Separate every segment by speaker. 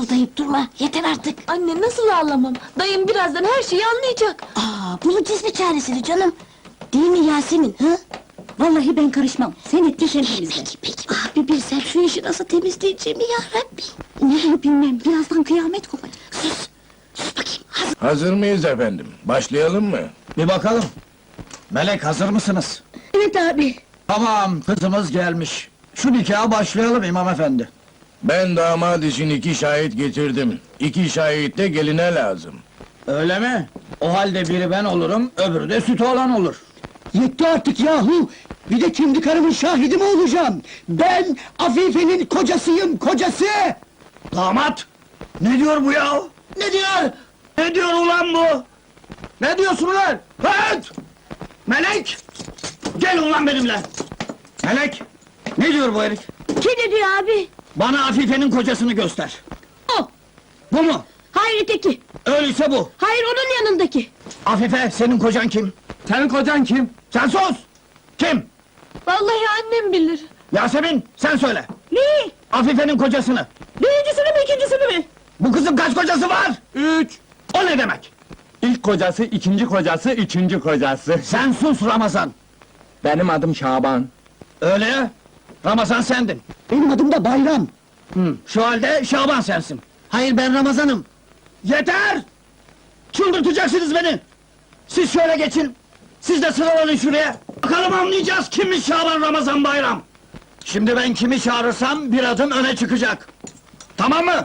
Speaker 1: fısıldayıp durma, yeter artık!
Speaker 2: Anne nasıl ağlamam? Dayım birazdan her şeyi anlayacak.
Speaker 1: Bulacağız bir çaresini canım! Değil mi Yasemin, hı?
Speaker 3: Vallahi ben karışmam. Sen ettin sen temizle.
Speaker 1: Peki! Bir bilsem şu işi nasıl temizleyeceğimi yarabbim!
Speaker 3: Ne bilmem, birazdan kıyamet kopacak.
Speaker 1: Sus! Sus bakayım!
Speaker 4: Hazır mıyız efendim? Başlayalım mı?
Speaker 5: Bir bakalım. Melek, hazır mısınız?
Speaker 3: Evet abi.
Speaker 5: Tamam, kızımız gelmiş. Şu nikaha başlayalım imam efendi.
Speaker 4: Ben damat için 2 şahit getirdim. 2 şahit de geline lazım.
Speaker 5: Öyle mi? O halde biri ben olurum, öbürü de sütü olan olur.
Speaker 6: Yetti artık yahu! Bir de kendi karımın şahidi mi olacağım? Ben Afife'nin kocasıyım, kocası!
Speaker 5: Damat! Ne diyor bu ya? Ne diyor? Ne diyor ulan bu? Ne diyorsun ulan? Evet! Melek! Gel ulan benimle! Melek! Ne diyor bu herif?
Speaker 3: Kim ne diyor abi?
Speaker 5: Bana Afife'nin kocasını göster.
Speaker 3: O!
Speaker 5: Bu mu?
Speaker 3: Hayır öteki!
Speaker 5: Öyleyse bu.
Speaker 3: Hayır onun yanındaki!
Speaker 5: Afife, senin kocan kim? Senin kocan kim? Sen sus! Kim?
Speaker 2: Vallahi annem bilir.
Speaker 5: Yasemin, sen söyle!
Speaker 3: Ne?
Speaker 5: Afife'nin kocasını!
Speaker 3: Birincisini mi ikincisini mi?
Speaker 5: Bu kızın kaç kocası var?
Speaker 7: 3.
Speaker 5: O ne demek?
Speaker 7: İlk kocası, ikinci kocası, üçüncü kocası.
Speaker 5: Sen sus Ramazan!
Speaker 7: Benim adım Şaban.
Speaker 5: Öyle ya? Ramazan sendin.
Speaker 6: Benim adım da Bayram!
Speaker 5: Şu halde Şaban sensin.
Speaker 6: Hayır, ben Ramazan'ım!
Speaker 5: Yeter! Çıldırtacaksınız beni! Siz şöyle geçin! Siz de sıralanın şuraya! Bakalım anlayacağız kimmiş Şaban Ramazan Bayram! Şimdi ben kimi çağırırsam bir adım öne çıkacak! Tamam mı?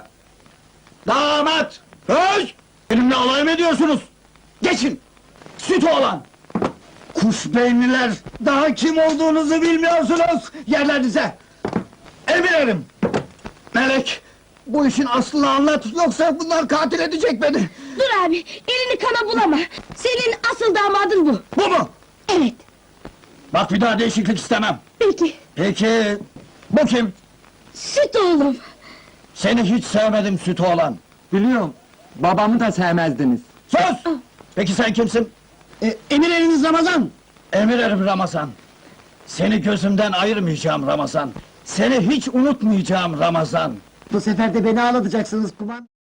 Speaker 5: Damat! Öz! Benimle alay mı ediyorsunuz? Geçin! Süt oğlan! Kuş beyinliler! Daha kim olduğunuzu bilmiyorsunuz! Yerlerinize! Emirim! Melek! Bu işin aslını anlat, yoksa bunlar katil edecek beni!
Speaker 3: Dur abi, elini kana bulama! Senin asıl damadın bu!
Speaker 5: Bu mu?
Speaker 3: Evet,
Speaker 5: Bak bir daha değişiklik istemem!
Speaker 3: peki.
Speaker 5: Peki, bu kim?
Speaker 3: Süt oğlum!
Speaker 5: Seni hiç sevmedim süt oğlan!
Speaker 7: Biliyorum, babamı da sevmezdiniz.
Speaker 5: Sus! Peki sen kimsin?
Speaker 6: Emir eliniz Ramazan!
Speaker 5: Emir erim Ramazan! Seni gözümden ayırmayacağım Ramazan! Seni hiç unutmayacağım Ramazan!
Speaker 6: Bu sefer de beni ağlatacaksınız kuman!